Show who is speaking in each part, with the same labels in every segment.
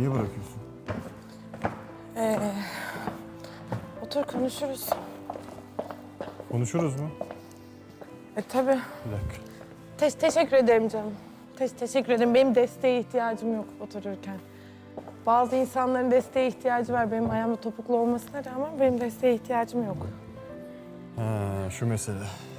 Speaker 1: Niye bırakıyorsun?
Speaker 2: Otur konuşuruz.
Speaker 1: Konuşuruz mu?
Speaker 2: Tabii.
Speaker 1: Bir dakika.
Speaker 2: Teşekkür ederim canım. Teşekkür ederim. Benim desteğe ihtiyacım yok otururken. Bazı insanların desteğe ihtiyacı var. Benim ayağımda topuklu olmasına rağmen benim desteğe ihtiyacım yok.
Speaker 1: Ha, şu mesele.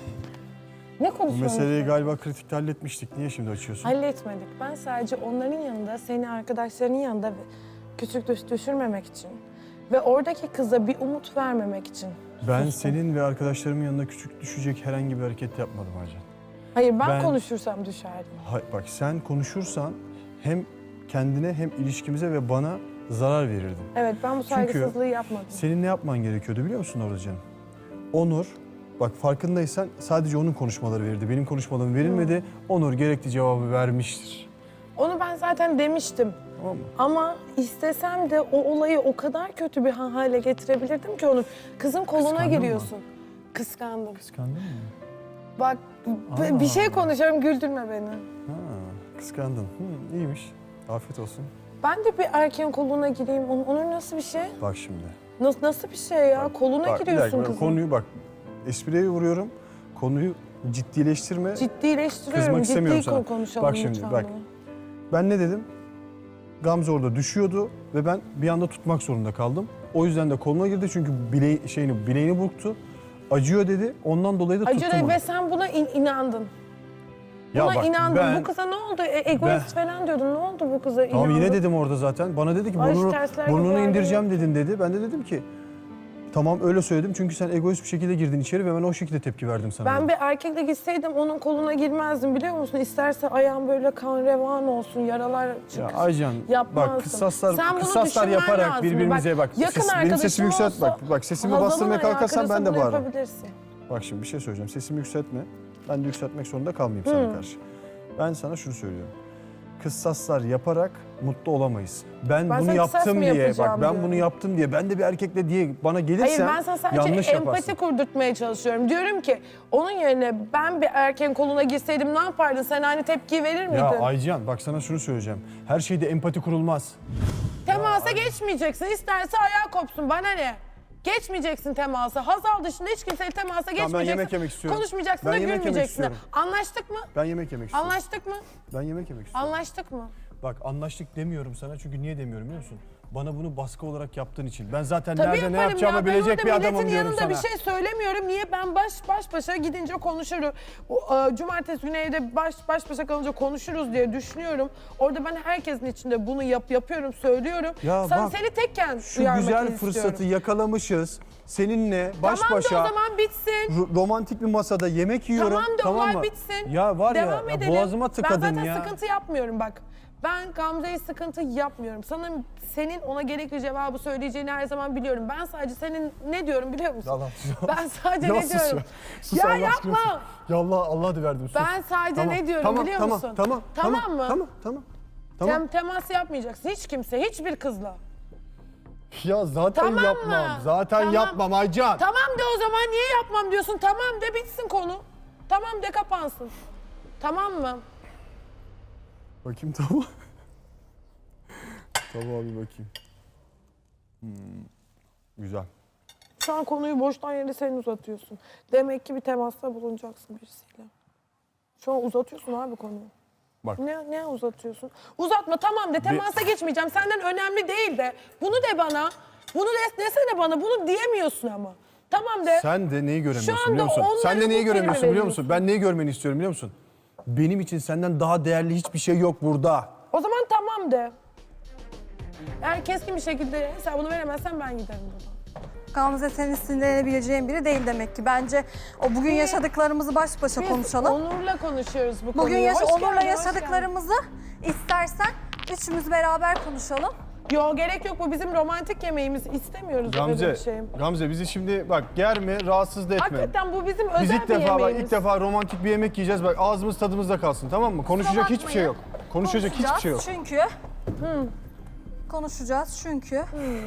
Speaker 2: Ne
Speaker 1: Bu
Speaker 2: konuşuyorsunuz?
Speaker 1: meseleyi galiba kritikte halletmiştik. Niye şimdi açıyorsun?
Speaker 2: Halletmedik. Ben sadece onların yanında, seni arkadaşlarının yanında küçük düşürmemek için ve oradaki kıza bir umut vermemek için.
Speaker 1: Ben
Speaker 2: sustum.
Speaker 1: senin ve arkadaşlarımın yanında küçük düşecek herhangi bir hareket yapmadım Aycan.
Speaker 2: Hayır, ben
Speaker 1: Ben-
Speaker 2: konuşursam düşerdim.
Speaker 1: Bak sen konuşursan hem kendine hem ilişkimize ve bana zarar verirdin.
Speaker 2: Evet, ben bu saygısızlığı yapmadım.
Speaker 1: Senin ne yapman gerekiyordu biliyor musun orada canım? Onur, bak farkındaysan sadece onun konuşmaları verildi. Benim konuşmalarım verilmedi. Onur gerekli cevabı vermiştir.
Speaker 2: Onu ben zaten demiştim.
Speaker 1: Tamam mı?
Speaker 2: Ama istesem de o olayı o kadar kötü bir hale getirebilirdim ki onu. Kızın koluna
Speaker 1: Kıskandın mı?
Speaker 2: giriyorsun. Kıskandım.
Speaker 1: Kıskandın mı?
Speaker 2: Bak bir şey konuşuyorum, güldürme beni.
Speaker 1: Ha, kıskandın. İyiymiş. Afiyet olsun.
Speaker 2: Ben de bir erkeğin koluna gireyim. Onun nasıl bir şey?
Speaker 1: Bak şimdi.
Speaker 2: Nasıl bir şey ya? Koluna
Speaker 1: Bak, bir
Speaker 2: giriyorsun
Speaker 1: dakika,
Speaker 2: kızın.
Speaker 1: konuyu bak. Espriye vuruyorum. Konuyu ciddileştirme.
Speaker 2: Ciddileştiriyorum.
Speaker 1: Kızmak istemiyorum
Speaker 2: Ciddi
Speaker 1: sana.
Speaker 2: konuşalım
Speaker 1: Bak şimdi,
Speaker 2: lütfen
Speaker 1: bak.
Speaker 2: bunu.
Speaker 1: Ben ne dedim? Gamze orada düşüyordu ve ben bir anda tutmak zorunda kaldım. O yüzden de koluna girdi çünkü bileğini burktu. Acıyor dedi. Ondan dolayı da tuttum
Speaker 2: Acı
Speaker 1: onu.
Speaker 2: ve sen buna inandın.
Speaker 1: Ya
Speaker 2: Buna
Speaker 1: bak,
Speaker 2: inandın. Bu kıza ne oldu? Egoist falan diyordun. Ne oldu bu kıza?
Speaker 1: Tamam
Speaker 2: İnandın.
Speaker 1: yine dedim orada zaten. Bana dedi ki
Speaker 2: Ay, tersler gibi
Speaker 1: burnunu
Speaker 2: geldi.
Speaker 1: indireceğim dedin dedi. Ben de dedim ki tamam öyle söyledim çünkü sen egoist bir şekilde girdin içeri ve ben o şekilde tepki verdim sana.
Speaker 2: Ben bir erkekle gitseydim onun koluna girmezdim biliyor musun? İsterse ayağım böyle kan revan olsun, yaralar
Speaker 1: Ya
Speaker 2: çıksın.
Speaker 1: Aycan
Speaker 2: Yapmazdım.
Speaker 1: bak kıssaslar
Speaker 2: Sen bunu
Speaker 1: kıssaslar
Speaker 2: düşünmen
Speaker 1: yaparak
Speaker 2: lazım.
Speaker 1: birbirimize bak.
Speaker 2: Yakın
Speaker 1: benim
Speaker 2: arkadaşın
Speaker 1: sesimi yükselt
Speaker 2: olsa,
Speaker 1: bak sesimi
Speaker 2: Hazal'ın
Speaker 1: bastırmaya
Speaker 2: ayağı
Speaker 1: kalkarsan ben de
Speaker 2: kırılsa bunu
Speaker 1: bağırırım.
Speaker 2: yapabilirsin.
Speaker 1: Bak şimdi bir şey söyleyeceğim. Sesimi yükseltme. Ben de yükseltmek zorunda kalmayayım sana karşı. Ben sana şunu söylüyorum. Kıssaslar yaparak mutlu olamayız. Ben
Speaker 2: Ben
Speaker 1: bunu
Speaker 2: sana kıssas
Speaker 1: yaptım
Speaker 2: mı
Speaker 1: diye,
Speaker 2: yapacağım
Speaker 1: bak ben
Speaker 2: diyorum.
Speaker 1: bunu yaptım diye, ben de bir erkekle diye bana
Speaker 2: Hayır
Speaker 1: gelirsen
Speaker 2: ben sana sadece
Speaker 1: yanlış
Speaker 2: empati
Speaker 1: yaparsın.
Speaker 2: kurdurtmaya çalışıyorum. Diyorum ki onun yerine ben bir erkeğin koluna girseydim ne yapardın? Sen aynı tepkiyi verir miydin?
Speaker 1: Ya Aycan bak sana şunu söyleyeceğim. Her şeyde empati kurulmaz.
Speaker 2: Temasa geçmeyeceksin. İsterse ayağı kopsun. Bana ne? Geçmeyeceksin temasa. Hazal dışında hiç kimseyle temasa geçmeyeceksin.
Speaker 1: yemek yemek istiyorum.
Speaker 2: Konuşmayacaksın
Speaker 1: Ben
Speaker 2: da
Speaker 1: yemek yemek
Speaker 2: gülmeyeceksin de.
Speaker 1: istiyorum.
Speaker 2: Anlaştık mı?
Speaker 1: Ben yemek yemek istiyorum.
Speaker 2: Anlaştık mı?
Speaker 1: Ben yemek yemek istiyorum.
Speaker 2: Anlaştık mı?
Speaker 1: Bak anlaştık demiyorum sana çünkü niye demiyorum biliyor musun? Bana bunu baskı olarak yaptığın için. Ben zaten
Speaker 2: Tabii
Speaker 1: nerede ne
Speaker 2: yaparım
Speaker 1: yapacağımı
Speaker 2: ya. Ben
Speaker 1: bilecek
Speaker 2: orada
Speaker 1: bir adamım
Speaker 2: milletin
Speaker 1: diyorum
Speaker 2: yanında
Speaker 1: sana.
Speaker 2: bir şey söylemiyorum. Niye? Ben baş başa gidince konuşurum. Cumartesi günü evde baş başa kalınca konuşuruz diye düşünüyorum. Orada ben herkesin içinde bunu yapıyorum, söylüyorum.
Speaker 1: Ya
Speaker 2: Sen
Speaker 1: bak,
Speaker 2: seni tekken
Speaker 1: Şu
Speaker 2: uyarmak
Speaker 1: güzel
Speaker 2: istiyorum.
Speaker 1: fırsatı yakalamışız. Seninle baş
Speaker 2: Tamam
Speaker 1: başa
Speaker 2: da o zaman bitsin.
Speaker 1: romantik bir masada yemek yiyorum.
Speaker 2: Tamam da olay
Speaker 1: mı?
Speaker 2: bitsin.
Speaker 1: Ya var
Speaker 2: Devam
Speaker 1: ya
Speaker 2: edelim.
Speaker 1: boğazıma tıkadın
Speaker 2: Ben zaten
Speaker 1: ya.
Speaker 2: sıkıntı yapmıyorum bak. Ben Gamze'ye sıkıntı yapmıyorum. Senin ona gerekli cevabı söyleyeceğini her zaman biliyorum. Ben sadece senin ne diyorum biliyor musun?
Speaker 1: Yalan.
Speaker 2: Ben sadece
Speaker 1: Ya
Speaker 2: ne
Speaker 1: sus
Speaker 2: diyorum?
Speaker 1: ya. Sus
Speaker 2: Ya
Speaker 1: Allah aşkına
Speaker 2: yapma.
Speaker 1: sus. Ya Allah adı verdim sus.
Speaker 2: Ben sadece ne diyorum biliyor musun?
Speaker 1: Tamam
Speaker 2: mı?
Speaker 1: Tamam.
Speaker 2: Temas yapmayacaksın hiç kimse, hiçbir kızla.
Speaker 1: Ya zaten
Speaker 2: Tamam
Speaker 1: yapmam.
Speaker 2: mı?
Speaker 1: Zaten
Speaker 2: Tamam.
Speaker 1: yapmam Aycan.
Speaker 2: Tamam de o zaman niye yapmam diyorsun? Tamam de bitsin konu. Tamam de kapansın. Tamam mı?
Speaker 1: Bakayım tamam. Tamam bir bakayım. Güzel.
Speaker 2: Şu an konuyu boştan yere sen uzatıyorsun. Demek ki bir temasta bulunacaksın birisiyle. Şu an uzatıyorsun abi konuyu.
Speaker 1: Bak.
Speaker 2: Ne uzatıyorsun? Uzatma tamam de temasa geçmeyeceğim. Senden önemli değil de. Bunu de bana. Bunu desene bana. Bunu diyemiyorsun ama. Tamam de.
Speaker 1: Sen de neyi göremiyorsun
Speaker 2: anda
Speaker 1: biliyor musun?
Speaker 2: onları
Speaker 1: Sen de neyi
Speaker 2: bu
Speaker 1: göremiyorsun
Speaker 2: kelime
Speaker 1: biliyor musun? Ben neyi görmeni istiyorum biliyor musun? Benim için senden daha değerli hiçbir şey yok burada.
Speaker 2: O zaman tamam de. Eğer keskin bir şekilde hesabını veremezsen ben giderim buradan.
Speaker 3: Gamze senin sinirlenebileceğin biri değil demek ki. Bence o bugün yaşadıklarımızı baş başa
Speaker 2: Biz
Speaker 3: konuşalım.
Speaker 2: Onur'la konuşuyoruz bu konuyu.
Speaker 3: Bugün
Speaker 2: Hoş
Speaker 3: Onur'la
Speaker 2: geldin, hoş
Speaker 3: yaşadıklarımızı istersen üçümüz beraber konuşalım.
Speaker 2: geldin. Yo gerek yok bu bizim romantik yemeğimiz. İstemiyoruz öyle bir şey.
Speaker 1: Gamze bizi şimdi bak germe, rahatsız da etme.
Speaker 2: Hakikaten bu bizim özel
Speaker 1: Biz ilk
Speaker 2: bir
Speaker 1: defa
Speaker 2: yemeğimiz.
Speaker 1: ilk defa romantik bir yemek yiyeceğiz. Bak ağzımız tadımızda kalsın tamam mı? Konuşacak
Speaker 3: Kusura
Speaker 1: hiçbir şey yok. Konuşacak hiçbir şey yok.
Speaker 3: Çünkü konuşacağız çünkü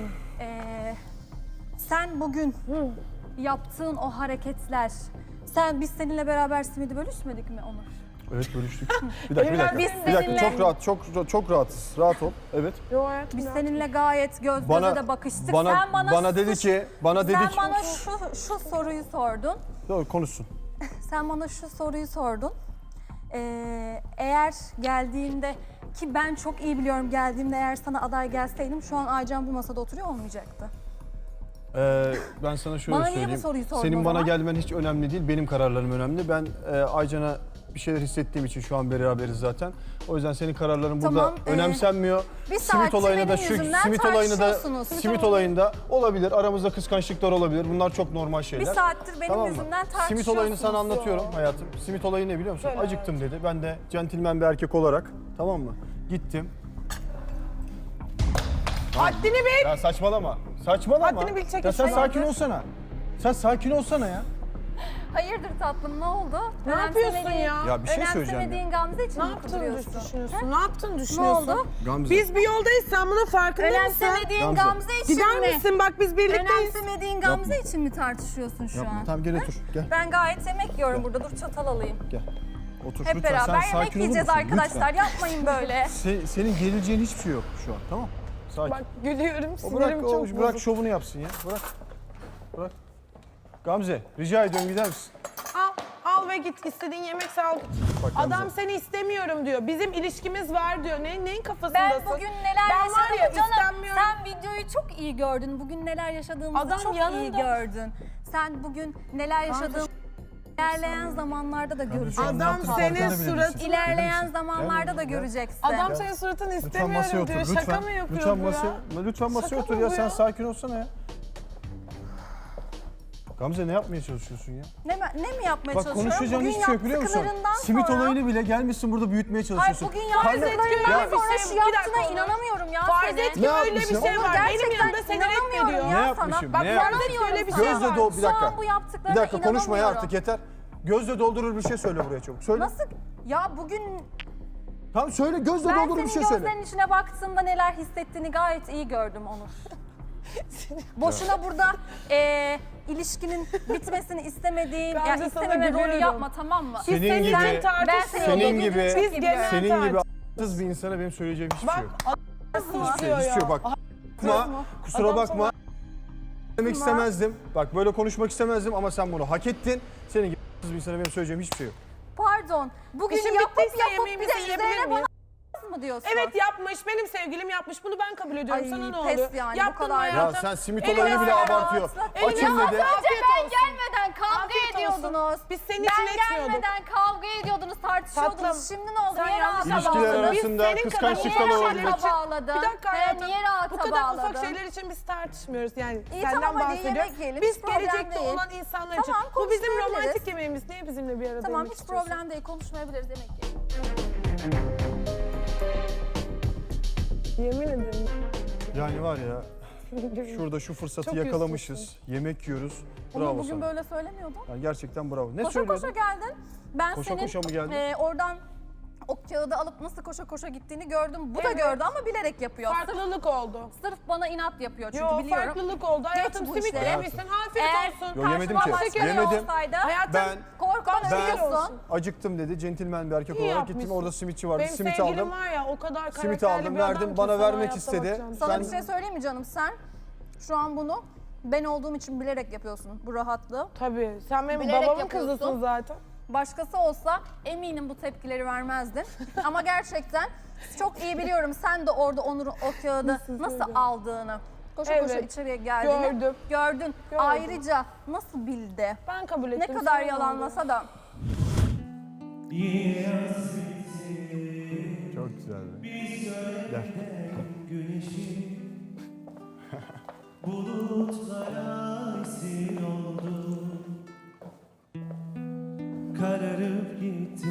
Speaker 3: sen bugün yaptığın o hareketler, biz seninle beraber simidi bölüşmedik mi Onur?
Speaker 1: Evet bölüştük. Bir dakika.
Speaker 3: Biz
Speaker 1: Bir dakika
Speaker 3: seninle-
Speaker 1: çok rahat, çok rahatız. Rahat ol. Evet.
Speaker 2: Yo hayatım.
Speaker 3: Biz seninle gayet göz göze
Speaker 1: Bana-
Speaker 3: de bakıştık.
Speaker 1: bana-
Speaker 3: Sen
Speaker 1: bana dedi ki-
Speaker 3: sen bana şu soruyu sordun.
Speaker 1: Doğru konuşsun.
Speaker 3: Sen bana şu soruyu sordun. Eğer geldiğinde ki ben çok iyi biliyorum geldiğimde eğer sana aday gelseydim şu an Aycan bu masada oturuyor olmayacaktı.
Speaker 1: Ben sana şöyle
Speaker 3: Bana niye bu
Speaker 1: söyleyeyim.
Speaker 3: soruyu sordun
Speaker 1: Senin
Speaker 3: o
Speaker 1: bana
Speaker 3: zaman?
Speaker 1: gelmen hiç önemli değil. Benim kararlarım önemli. Ben Aycan'a bir şeyler hissettiğim için şu an beraberiz zaten. O yüzden senin kararların burada
Speaker 3: Tamam,
Speaker 1: önemsenmiyor.
Speaker 3: bir saattir benim yüzümden tartışıyorsunuz.
Speaker 1: simit olayında olabilir. Aramızda kıskançlıklar olabilir. Bunlar çok normal şeyler.
Speaker 3: Bir saattir benim
Speaker 1: Tamam mı?
Speaker 3: yüzümden
Speaker 1: Simit olayını sana
Speaker 3: tartışıyorsunuz.
Speaker 1: anlatıyorum hayatım. Simit olayı ne biliyor musun?
Speaker 2: Söyle
Speaker 1: Acıktım dedi. Ben de centilmen bir erkek olarak, tamam mı? Gittim.
Speaker 2: Haddini bil.
Speaker 1: Ya saçmalama. Saçmalama.
Speaker 2: Haddini bil, çekil
Speaker 1: Ya sen
Speaker 2: şuradan.
Speaker 1: sakin olsana. Sen sakin olsana ya.
Speaker 3: Hayırdır tatlım ne oldu?
Speaker 2: Ne yapıyorsun
Speaker 3: Önemsemediğin-
Speaker 2: ya?
Speaker 1: Ya bir şey söyleyeceğim
Speaker 3: Önemsemediğin Gamze için
Speaker 2: Ne
Speaker 3: mi
Speaker 2: yaptığını
Speaker 3: kudurıyorsun?
Speaker 2: düşünüyorsun? Ne yaptığını
Speaker 3: Ne
Speaker 2: düşünüyorsun?
Speaker 3: oldu?
Speaker 1: Gamze.
Speaker 2: Biz bir yoldayız, sen bunun farkında mısın?
Speaker 3: Önemsemediğin
Speaker 1: Gamze.
Speaker 3: Gamze için
Speaker 2: Gider
Speaker 3: mi?
Speaker 2: misin? Bak biz birlikteyiz.
Speaker 3: Önemsemediğin Gamze için mi tartışıyorsun şu
Speaker 1: Yapma.
Speaker 3: an?
Speaker 1: Tamam gel otur. Gel.
Speaker 3: Ben gayet yemek yiyorum burada. Dur çatal alayım.
Speaker 1: Gel. Otur
Speaker 3: Hep
Speaker 1: lütfen.
Speaker 3: beraber
Speaker 1: Sen
Speaker 3: yemek
Speaker 1: sakin olur
Speaker 3: yiyeceğiz
Speaker 1: musun?
Speaker 3: arkadaşlar.
Speaker 1: Lütfen.
Speaker 3: Yapmayın böyle.
Speaker 1: Senin gerileceğin hiçbir şey yok şu an. Tamam? Sakin.
Speaker 2: Bak gülüyorum,
Speaker 1: O
Speaker 2: sinirim çok
Speaker 1: bırak
Speaker 2: bozuk.
Speaker 1: şovunu yapsın ya. Bırak. Bırak. Gamze rica ediyorum gider misin?
Speaker 2: Al ve git, istediğin yemek sal.
Speaker 1: Bak Gamze.
Speaker 2: Adam seni istemiyorum diyor. Bizim ilişkimiz var diyor. Neyin
Speaker 3: Ben
Speaker 2: kafasındasın?
Speaker 3: bugün neler
Speaker 2: Ben var ya,
Speaker 3: yaşadım canım.
Speaker 2: istenmiyorum.
Speaker 3: Sen videoyu çok iyi gördün. Bugün neler yaşadığımızı
Speaker 2: Adam
Speaker 3: çok iyi
Speaker 2: yanında.
Speaker 3: gördün. Sen bugün neler yaşadığımızı ilerleyen zamanlarda da göreceksin.
Speaker 1: Şu an
Speaker 2: Adam
Speaker 1: yaptığın
Speaker 2: senin
Speaker 1: farkında bile
Speaker 2: surat-
Speaker 1: değilsin.
Speaker 3: İlerleyen zamanlarda da
Speaker 1: Ya.
Speaker 3: göreceksin.
Speaker 2: Adam senin suratını
Speaker 1: Lütfen
Speaker 2: istemiyorum
Speaker 1: masaya otur.
Speaker 2: diyor.
Speaker 1: Lütfen.
Speaker 2: Şaka mı yapıyor
Speaker 1: Lütfen
Speaker 2: bu
Speaker 1: masaya,
Speaker 2: ya?
Speaker 1: lütfen masaya
Speaker 2: Şaka
Speaker 1: otur
Speaker 2: mı
Speaker 1: ya.
Speaker 2: bu
Speaker 1: Sen
Speaker 2: ya?
Speaker 1: sakin olsana ya. Gamze ne yapmaya çalışıyorsun ya?
Speaker 3: Ne mi yapmaya
Speaker 1: Bak
Speaker 3: çalışıyorum?
Speaker 1: konuşacağın
Speaker 3: Bugün
Speaker 1: hiçbir şey yok biliyor musun?
Speaker 3: yaptıklarından
Speaker 1: Simit
Speaker 3: sonra-
Speaker 1: olayını bile gelmişsin burada büyütmeye
Speaker 3: Ay
Speaker 1: çalışıyorsun.
Speaker 3: bugün
Speaker 1: Karnı-
Speaker 3: yaptıklarından
Speaker 2: Ya-
Speaker 3: sonra
Speaker 2: Bir
Speaker 3: şu
Speaker 2: dakika
Speaker 3: yaptığına
Speaker 2: dur.
Speaker 3: inanamıyorum ya
Speaker 2: Farz
Speaker 3: seni.
Speaker 2: et ki
Speaker 1: Ne
Speaker 2: öyle bir
Speaker 1: yapmışım?
Speaker 2: şey
Speaker 3: Onu
Speaker 2: var. Benim
Speaker 3: gerçekten
Speaker 2: yanımda seni
Speaker 3: inanamıyorum
Speaker 2: reddediyor.
Speaker 3: ya
Speaker 1: Ne
Speaker 3: sana.
Speaker 1: yapmışım?
Speaker 3: Bak
Speaker 1: Ne
Speaker 2: farz et ki
Speaker 3: inanamıyorum
Speaker 2: öyle bir
Speaker 3: sana.
Speaker 2: şey
Speaker 1: Gözle
Speaker 2: var.
Speaker 1: bir dakika.
Speaker 3: Şu an bu yaptıklarına
Speaker 1: Bir dakika konuşma ya
Speaker 3: inanamıyorum.
Speaker 1: artık yeter. Gözle doldurur bir şey söyle buraya çabuk. Söyle.
Speaker 3: Nasıl? Ya bugün
Speaker 1: Tamam söyle gözle
Speaker 3: ben
Speaker 1: doldurur
Speaker 3: senin
Speaker 1: bir şey söyle.
Speaker 3: gözlerinin içine baktığımda neler hissettiğini gayet iyi gördüm Onur. Boşuna burada ilişkinin bitmesini istemediğin,
Speaker 2: Gamze
Speaker 3: yani
Speaker 2: sana
Speaker 3: istememe rolü
Speaker 2: gülüyorum.
Speaker 3: yapma tamam mı?
Speaker 1: Senin
Speaker 2: Senin
Speaker 1: gibi-
Speaker 2: için
Speaker 3: Ben
Speaker 2: tartışmıyoruz.
Speaker 1: senin gibi-
Speaker 3: çok
Speaker 2: Biz
Speaker 3: iyi
Speaker 2: genel
Speaker 3: biliyorum.
Speaker 1: Senin gibi
Speaker 2: tartış-
Speaker 1: a**sız bir insana benim söyleyeceğim hiçbir
Speaker 2: Bak
Speaker 1: şey yok.
Speaker 2: nasıl
Speaker 1: Hiçbir
Speaker 2: istiyor
Speaker 1: şey
Speaker 2: ya?
Speaker 1: yok. Bak bakma, kusura
Speaker 2: Adam
Speaker 1: bakma. Demek istemezdim. Bak böyle konuşmak istemezdim ama sen bunu hak ettin. Senin gibi a**sız bir insana benim söyleyeceğim hiçbir şey yok.
Speaker 3: Pardon. Bugün
Speaker 2: İşim
Speaker 3: yapıp
Speaker 2: bittiyse
Speaker 3: bir de
Speaker 2: yemeğimizi yiyebilir
Speaker 3: üzerine
Speaker 2: miyiz?
Speaker 3: bana mı diyorsun?
Speaker 2: Evet yapmış, benim sevgilim yapmış. Bunu ben kabul ediyorum.
Speaker 3: Ay,
Speaker 2: Sana ne
Speaker 3: pes
Speaker 2: oluyor?
Speaker 3: yani, bu
Speaker 2: Yaptın
Speaker 3: kadar.
Speaker 2: mı
Speaker 3: Ya
Speaker 1: Ya
Speaker 2: hayatım?
Speaker 1: sen simit
Speaker 2: Eline
Speaker 1: olayını bile
Speaker 2: sağlık.
Speaker 1: abartıyor.
Speaker 2: Eline
Speaker 1: Açım
Speaker 2: sağlık.
Speaker 1: dedi.
Speaker 3: Az önce
Speaker 2: Afiyet
Speaker 3: ben
Speaker 2: olsun.
Speaker 3: gelmeden kavga
Speaker 2: Afiyet olsun.
Speaker 3: ediyordunuz.
Speaker 2: Biz senin
Speaker 3: Ben
Speaker 2: için etmiyorduk.
Speaker 3: gelmeden kavga ediyordunuz, tartışıyordunuz.
Speaker 2: Tatlım,
Speaker 3: Şimdi ne oldu?
Speaker 2: sen
Speaker 3: Niye
Speaker 2: yanlış
Speaker 3: rahata
Speaker 1: İlişkiler
Speaker 3: bağladınız?
Speaker 1: arasında
Speaker 2: Biz senin kadar
Speaker 1: kıskançlıklar
Speaker 2: ufak
Speaker 1: olabilir.
Speaker 2: şeyler için-
Speaker 3: Bağladın.
Speaker 2: Bir dakika
Speaker 3: He,
Speaker 2: hayatım.
Speaker 3: niye rahata
Speaker 2: Bu kadar ufak
Speaker 3: bağladın?
Speaker 2: şeyler için biz tartışmıyoruz. Yani
Speaker 3: İyi,
Speaker 2: senden
Speaker 3: tamam, hadi
Speaker 2: bahsediyorum.
Speaker 3: yemek yiyelim,
Speaker 2: Biz
Speaker 3: hiç problem
Speaker 2: gelecekte
Speaker 3: değil.
Speaker 2: olan insanlar
Speaker 3: Tamam,
Speaker 2: için. Bu bizim
Speaker 3: konuşmayabiliriz.
Speaker 2: romantik yemeğimiz. Niye bizimle bir arada
Speaker 3: Tamam
Speaker 2: yemek
Speaker 3: hiç
Speaker 2: istiyorsun?
Speaker 3: problem değil. Konuşmayabiliriz demek ki.
Speaker 2: Yemin ederim.
Speaker 1: Yani var ya şurada şu fırsatı
Speaker 2: Çok
Speaker 1: yakalamışız. Yemek yiyoruz. Bravo
Speaker 3: Onu bugün
Speaker 1: sana.
Speaker 3: böyle söylemiyordun.
Speaker 1: Yani gerçekten bravo. Ne
Speaker 3: Koşa koşa
Speaker 1: söylüyordun?
Speaker 3: geldin. Ben
Speaker 1: Koşa
Speaker 3: senin
Speaker 1: koşa mı geldin?
Speaker 3: Oradan o kağıdı alıp nasıl koşa koşa gittiğini gördüm. Bu da
Speaker 2: Evet.
Speaker 3: gördü ama bilerek yapıyor.
Speaker 2: Farklılık oldu.
Speaker 3: Sırf bana inat yapıyor çünkü
Speaker 2: Yo
Speaker 3: biliyorum.
Speaker 2: farklılık oldu. Hayatım
Speaker 3: bu
Speaker 2: simit
Speaker 3: işleri.
Speaker 2: yemişsin. Afiyet
Speaker 3: Eğer
Speaker 2: olsun.
Speaker 1: Yo, yemedim
Speaker 3: karşıma
Speaker 1: ki.
Speaker 3: başka biri
Speaker 1: Yemedim.
Speaker 3: olsaydı
Speaker 2: Hayatım
Speaker 1: Ben
Speaker 3: korkudan
Speaker 1: Ben-
Speaker 3: ölüyorsun.
Speaker 1: acıktım dedi. Centilmen bir erkek
Speaker 2: İyi
Speaker 1: olarak gittim.
Speaker 2: yapmışsın.
Speaker 1: Orada simitçi vardı.
Speaker 2: Benim
Speaker 1: Simit
Speaker 2: sevgilim
Speaker 1: aldım.
Speaker 2: var ya o kadar
Speaker 1: Simit
Speaker 2: karakterli
Speaker 1: aldım,
Speaker 2: bir adam
Speaker 1: verdim.
Speaker 2: ki
Speaker 1: Bana
Speaker 2: sana
Speaker 1: vermek
Speaker 2: hayatta
Speaker 1: istedi.
Speaker 2: bakacağım.
Speaker 3: Sana
Speaker 1: Ben-
Speaker 3: bir şey söyleyeyim mi canım? Sen şu an bunu ben olduğum için bilerek yapıyorsun bu rahatlığı.
Speaker 2: Tabii. Sen benim
Speaker 3: Bilerek
Speaker 2: babamın
Speaker 3: yapıyorsun.
Speaker 2: kızısın zaten.
Speaker 3: Başkası olsa eminim bu tepkileri vermezdin. Ama gerçekten çok iyi biliyorum sen de orada Onur'un o kağıdı nasıl aldığını. Koşa koşa
Speaker 2: Evet,
Speaker 3: içeriye geldiğini
Speaker 2: gördüm.
Speaker 3: gördün. Ayrıca nasıl bildi?
Speaker 2: Ben kabul
Speaker 3: Ne
Speaker 2: ettim.
Speaker 3: kadar
Speaker 2: sana ne
Speaker 3: yalanlasa da.
Speaker 1: Çok güzel. Gel.
Speaker 4: Bulutlara esir oldu, kararıp gitti.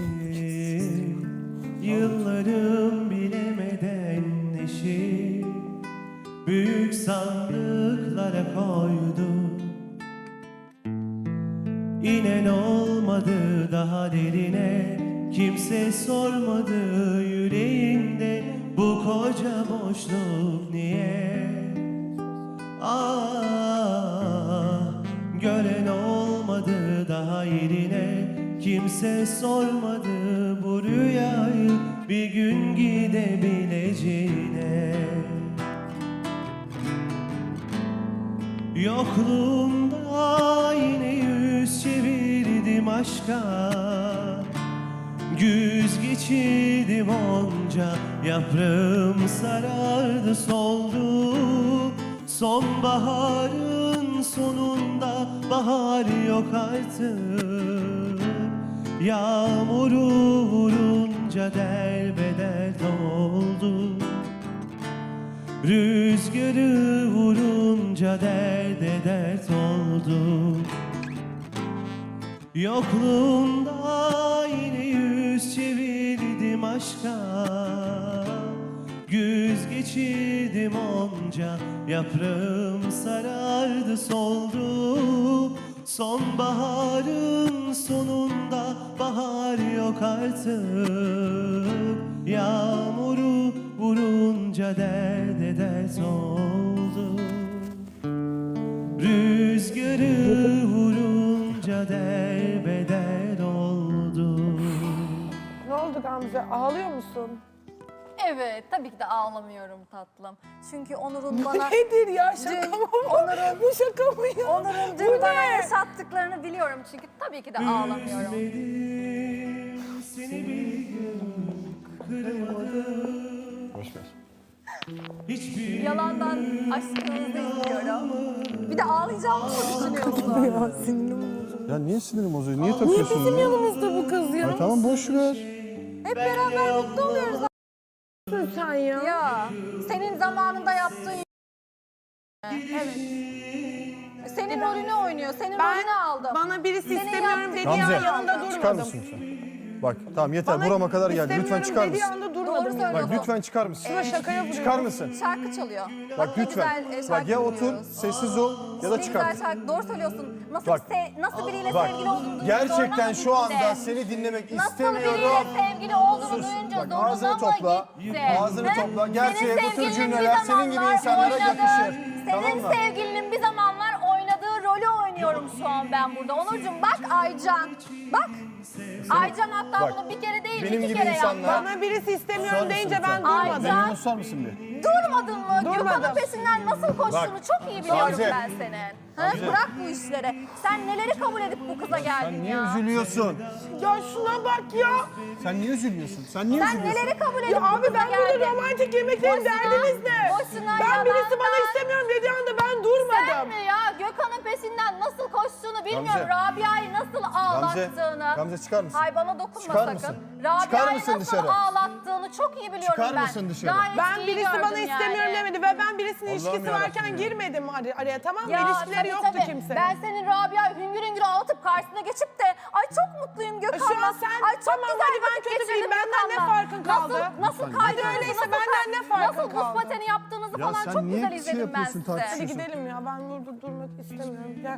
Speaker 4: Yıllarım bilemeden neşi, büyük sandıklara koydu. İnen olmadı daha derine, kimse sormadı yüreğinde bu koca boşluk niye? Ah, gören olmadı daha yerine, kimse sormadı bu rüyayı bir gün gidebileceğine. Yokluğumda yine yüz çevirdim aşka, güz geçirdim onca, yaprağım sarardı soldu. Sonbaharın sonunda bahar yok artık, yağmuru vurunca derbeder oldu. Rüzgarı vurunca derde dert oldu. Yokluğunda yine yüz çevirdim aşka, güz geçirdim onca, yaprağım sarardı soldu. Sonbaharın sonunda bahar yok artık, yağmuru vurunca derde dert oldu. Rüzgarı vurunca derbeder oldu.
Speaker 2: Ne oldu Gamze? Ağlıyor musun?
Speaker 3: Evet, tabii ki de ağlamıyorum tatlım. Çünkü Onur'un bana...
Speaker 2: Nedir ya? Şaka
Speaker 3: Dün
Speaker 2: mı bu?
Speaker 3: Onur'un-
Speaker 2: Bu şaka mı ya?
Speaker 3: Onur'un
Speaker 2: Bu
Speaker 3: dün bana
Speaker 2: ne?
Speaker 3: yaşattıklarını biliyorum çünkü tabii ki de ağlamıyorum.
Speaker 4: Üzmedim seni bir gün, kırmadım
Speaker 1: Boş ver.
Speaker 4: hiçbir
Speaker 3: Yalandan aşkınızı izliyorum. Bir de ağlayacağımı mı düşünüyorsun?
Speaker 2: Ya sinirim bozuldu.
Speaker 1: Ya niye sinirim bozuyor? Niye takıyorsun
Speaker 2: Bizim
Speaker 1: ya?
Speaker 2: yanımızda bu kız
Speaker 1: Ya
Speaker 2: yanımızda
Speaker 1: tamam boş ver.
Speaker 3: Hep beraber mutlu oluyoruz.
Speaker 2: sen ya.
Speaker 3: Ya senin zamanında yaptığın... Evet. Senin rolünü oynuyor, senin rolünü aldım.
Speaker 2: Bana birisi
Speaker 3: Senin
Speaker 2: istemiyorum
Speaker 3: yaptığın-
Speaker 2: dediği
Speaker 1: Gamze,
Speaker 2: an yanında
Speaker 1: çıkar
Speaker 2: durmadım.
Speaker 1: mısın lütfen? Bak tamam yeter
Speaker 2: Bana
Speaker 1: burama kadar geldi. Lütfen
Speaker 2: istemiyorum
Speaker 1: çıkar
Speaker 2: dediği
Speaker 1: mısın?
Speaker 2: anda
Speaker 3: Doğru
Speaker 2: durmadım.
Speaker 3: söylüyorsun.
Speaker 1: Bak lütfen çıkar mısın?
Speaker 2: Şuna şaka yapıyorum.
Speaker 1: Çıkar mısın?
Speaker 3: Şarkı çalıyor.
Speaker 1: Bak
Speaker 3: Ne
Speaker 1: lütfen.
Speaker 3: güzel,
Speaker 1: Bak ya otur,
Speaker 3: dinliyoruz.
Speaker 1: sessiz ol ya da
Speaker 3: Ne
Speaker 1: çıkar.
Speaker 3: güzel şarkı. Doğru söylüyorsun. Nasıl,
Speaker 1: Bak.
Speaker 3: nasıl biriyle
Speaker 1: Bak
Speaker 3: sevgili olduğunu duyunca
Speaker 1: gerçekten
Speaker 3: zoruna
Speaker 1: şu
Speaker 3: mı
Speaker 1: anda
Speaker 3: gitti?
Speaker 1: seni dinlemek
Speaker 3: Nasıl biriyle
Speaker 1: istemiyorum.
Speaker 3: sevgili olduğunu
Speaker 1: Sus.
Speaker 3: duyunca
Speaker 1: Bak,
Speaker 3: zoruna
Speaker 1: ağzını
Speaker 3: mı
Speaker 1: topla.
Speaker 3: gitti?
Speaker 1: Ağzını
Speaker 3: He?
Speaker 1: topla. Gerçeğe
Speaker 3: Senin
Speaker 1: bu tür
Speaker 3: sevgilinin
Speaker 1: cümleler
Speaker 3: bir
Speaker 1: senin gibi
Speaker 3: zamanlar
Speaker 1: insanlara
Speaker 3: oynadığı-
Speaker 1: yakışır. Tamam
Speaker 3: Senin
Speaker 1: mı?
Speaker 3: sevgilinin bir zamanlar oynadığı rolü oynuyorum şu an ben burada. Onurcuğum bak Aycan. Bak. Aycan hatta
Speaker 1: Bak,
Speaker 3: bunu bir kere değil
Speaker 1: benim
Speaker 3: iki
Speaker 1: gibi
Speaker 3: kere
Speaker 1: insanlar-
Speaker 3: yaptı.
Speaker 2: Bana birisi istemiyorum
Speaker 1: Susar
Speaker 2: deyince
Speaker 1: mısın
Speaker 2: ben
Speaker 1: lütfen?
Speaker 2: durmadım.
Speaker 3: Aycan.
Speaker 1: Beni susar mısın bir?
Speaker 3: Durmadın mı?
Speaker 2: Durmadım.
Speaker 3: Gökhan'ın peşinden nasıl koştuğunu
Speaker 1: Bak,
Speaker 3: çok iyi biliyorum
Speaker 1: Gamze.
Speaker 3: ben senin. Ha? Bırak bu işleri. Sen neleri kabul edip bu kıza geldin
Speaker 1: Sen niye
Speaker 3: ya?
Speaker 1: üzülüyorsun?
Speaker 2: Ya şuna bak ya.
Speaker 1: Sen niye üzülüyorsun? Sen niye
Speaker 3: Sen
Speaker 1: üzülüyorsun?
Speaker 3: neleri kabul edip
Speaker 2: Ya
Speaker 3: bu
Speaker 2: abi
Speaker 3: kıza
Speaker 2: ben burada
Speaker 3: geldin?
Speaker 2: romantik yemeklerin
Speaker 3: Boşuna-
Speaker 2: derdiniz ne?
Speaker 3: boşuna
Speaker 2: Ben birisi bana
Speaker 3: yalandan-
Speaker 2: istemiyorum dediği anda ben
Speaker 3: Sen
Speaker 2: durmadım.
Speaker 3: mi ya? Gökhan'ın peşinden nasıl koştuğunu bilmiyorum.
Speaker 1: Gamze.
Speaker 3: Rabia'yı nasıl ağlattığını.
Speaker 1: Gamze çıkar mısın?
Speaker 3: Hay bana dokunma
Speaker 1: Çıkar
Speaker 3: sakın.
Speaker 1: mısın?
Speaker 3: Rabia'yı
Speaker 1: Çıkar mısın
Speaker 3: nasıl
Speaker 1: dışarı?
Speaker 3: ağlattığını çok iyi biliyorum
Speaker 1: Çıkar
Speaker 3: ben.
Speaker 1: mısın dışarı?
Speaker 3: Gayet
Speaker 2: Ben
Speaker 3: iyi
Speaker 2: birisi bana
Speaker 3: gördüm
Speaker 2: istemiyorum
Speaker 3: yani.
Speaker 2: demedi ve ben birisinin
Speaker 1: Allah'ım
Speaker 2: ilişkisi
Speaker 1: yarabbim
Speaker 2: varken
Speaker 1: ya.
Speaker 2: girmedim araya tamam mı?
Speaker 3: Ya
Speaker 2: İlişkileri
Speaker 3: tabii,
Speaker 2: yoktu
Speaker 3: tabii.
Speaker 2: kimse.
Speaker 3: Ben senin Rabia'yı hüngür hüngür ağlatıp karşısına geçip de ay çok mutluyum Gökhan'la.
Speaker 2: Şu an sen-
Speaker 3: ay çok
Speaker 2: tamam,
Speaker 3: güzel
Speaker 2: hadi ben
Speaker 3: vakit
Speaker 2: kötü
Speaker 3: geçirdim
Speaker 2: biriyim. Benden ne
Speaker 3: Gökhan'la.
Speaker 2: farkın kaldı?
Speaker 3: Nasıl kaydınızı,
Speaker 2: öyleyse
Speaker 3: nasıl,
Speaker 2: benden ne farkın
Speaker 3: nasıl buz
Speaker 2: kaldı?
Speaker 3: pateni yaptığınızı
Speaker 1: Ya
Speaker 3: falan
Speaker 1: sen
Speaker 3: çok
Speaker 1: niye
Speaker 3: güzel
Speaker 1: şey
Speaker 3: izledim ben
Speaker 1: yapıyorsun,
Speaker 3: size.
Speaker 1: tartışıyorsun?
Speaker 2: Hadi gidelim ya ben burada durmak istemiyorum. Gel.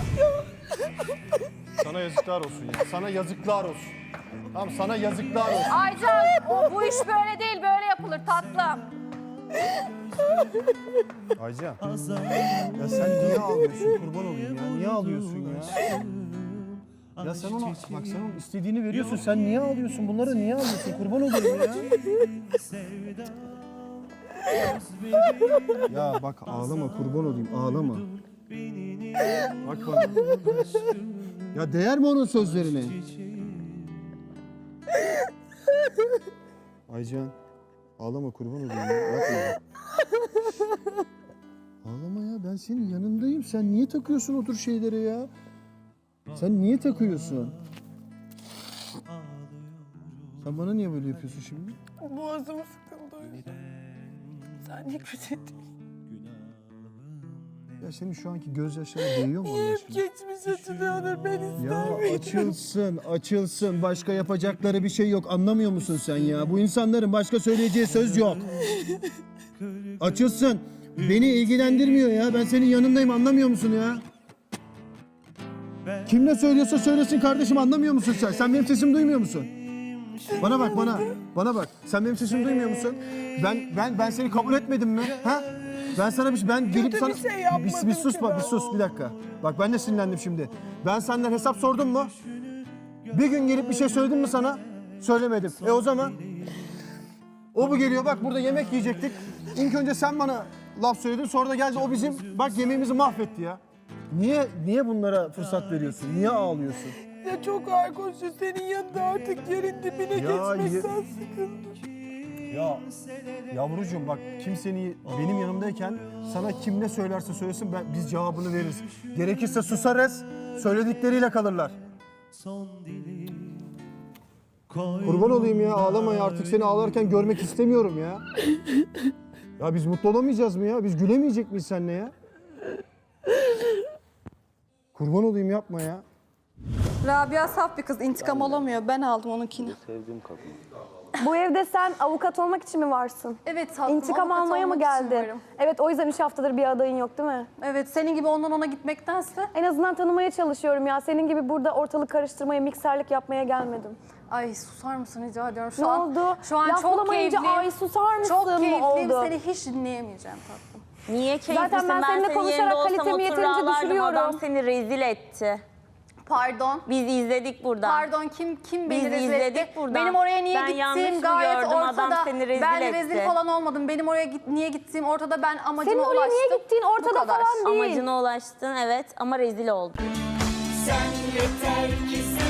Speaker 1: Sana yazıklar olsun ya. Sana yazıklar olsun. Tamam sana yazıklar olsun.
Speaker 3: Aycan bu iş böyle değil böyle yapılır tatlım.
Speaker 1: Aycan. Ya sen niye ağlıyorsun? Kurban olayım ya. Niye ağlıyorsun ya? Ya sen ona bak sen onun istediğini veriyorsun. Sen niye ağlıyorsun? Bunları niye ağlıyorsun? Kurban olayım ya. Ya bak ağlama kurban olayım ağlama. Bak bana. Ya değer mi onun sözlerine? Aycan ağlama kurban olayım ya. Yapma bak. Ağlama ya ben senin yanındayım. Sen niye takıyorsun o tür şeylere ya? Sen niye takıyorsun? Sen bana niye böyle yapıyorsun şimdi?
Speaker 2: Boğazım sıkıldı. Sen yıkıldın.
Speaker 1: Ya senin şu anki gözyaşlarına değiyor mu Allah aşkına?
Speaker 2: Geçmiş açılıyordur ben
Speaker 1: Ya
Speaker 2: istemiyorum.
Speaker 1: açılsın, açılsın. Başka yapacakları bir şey yok. Anlamıyor musun sen ya? Bu insanların başka söyleyeceği söz yok. Açılsın. Beni ilgilendirmiyor ya. Ben senin yanındayım. Anlamıyor musun ya? Kim ne söylüyorsa söylesin kardeşim. Anlamıyor musun sen? Sen benim sesimi duymuyor musun? Bana bak bana. Bana bak. Sen benim sesimi duymuyor musun? Ben seni kabul etmedim mi? Ha? Ben sana ben gelip
Speaker 2: Kötü
Speaker 1: sana
Speaker 2: bir şey yapmadım
Speaker 1: bir sus
Speaker 2: ki
Speaker 1: bak
Speaker 2: ben.
Speaker 1: bir sus bir dakika. Bak ben de sinirlendim şimdi. Ben senden hesap sordum mu? Bir gün gelip bir şey söyledim mi sana? Söylemedim. O zaman o bu geliyor bak burada yemek yiyecektik. İlk önce sen bana laf söyledin sonra da geldi o bizim bak yemeğimizi mahvetti ya. Niye bunlara fırsat veriyorsun? Niye ağlıyorsun?
Speaker 2: Ya çok ağır konuşuyor. Senin yanında artık yerin dibine geçmekten sıkıldım.
Speaker 1: Ya yavrucuğum bak kimsenin benim yanımdayken sana kim ne söylerse söylesin biz cevabını veririz. Gerekirse susarız, söyledikleriyle kalırlar. Kurban olayım ya ağlama ya artık seni ağlarken görmek istemiyorum ya. Ya biz mutlu olamayacağız mı ya? Biz gülemeyecek miyiz seninle ya? Kurban olayım yapma ya.
Speaker 3: Rabia saf bir kız, intikam alamıyor. Ben aldım onunkini.
Speaker 5: Bu evde sen avukat olmak için mi varsın?
Speaker 3: Evet tatlım.
Speaker 5: İntikam
Speaker 3: avukat
Speaker 5: almaya mı
Speaker 3: olmak için
Speaker 5: geldin?
Speaker 3: varım.
Speaker 5: Evet, o yüzden 3 haftadır bir adayın yok değil mi?
Speaker 3: Evet, senin gibi ondan ona gitmektense.
Speaker 5: En azından tanımaya çalışıyorum ya. Senin gibi burada ortalık karıştırmaya, mikserlik yapmaya gelmedim.
Speaker 3: Ay susar mısın rica ediyorum.
Speaker 5: Ne oldu?
Speaker 3: Şu an
Speaker 5: Laf
Speaker 3: çok
Speaker 5: bulamayınca
Speaker 3: keyifliyim.
Speaker 5: ay susar mısın
Speaker 3: Çok
Speaker 5: mı
Speaker 3: keyifliyim.
Speaker 5: oldu?
Speaker 3: Seni hiç dinleyemeyeceğim tatlım.
Speaker 6: Niye keyiflisin?
Speaker 5: Zaten ben seninle
Speaker 6: senin
Speaker 5: konuşarak
Speaker 6: yerinde olsam
Speaker 5: kalitemi
Speaker 6: oturur
Speaker 5: yeterince
Speaker 6: ağlardım.
Speaker 5: düşürüyorum.
Speaker 6: Adam seni rezil etti.
Speaker 3: Pardon.
Speaker 6: Biz izledik buradan.
Speaker 3: Pardon kim beni
Speaker 6: Biz
Speaker 3: rezil
Speaker 6: izledik
Speaker 3: etti?
Speaker 6: buradan.
Speaker 3: Benim oraya niye
Speaker 6: Ben yanlış
Speaker 3: gittiğim
Speaker 6: mı
Speaker 3: gayet
Speaker 6: gördüm? Adam
Speaker 3: ortada.
Speaker 6: seni rezil
Speaker 3: Ben rezil
Speaker 6: etti.
Speaker 3: falan olmadım. Benim oraya niye gittiğim ortada. Ben amacıma
Speaker 5: Senin
Speaker 3: ulaştım.
Speaker 5: oraya niye gittiğin
Speaker 3: Bu
Speaker 5: ortada
Speaker 3: kadar.
Speaker 5: falan değil.
Speaker 6: Amacına ulaştın evet ama rezil oldun.
Speaker 7: Sen yeter ki sen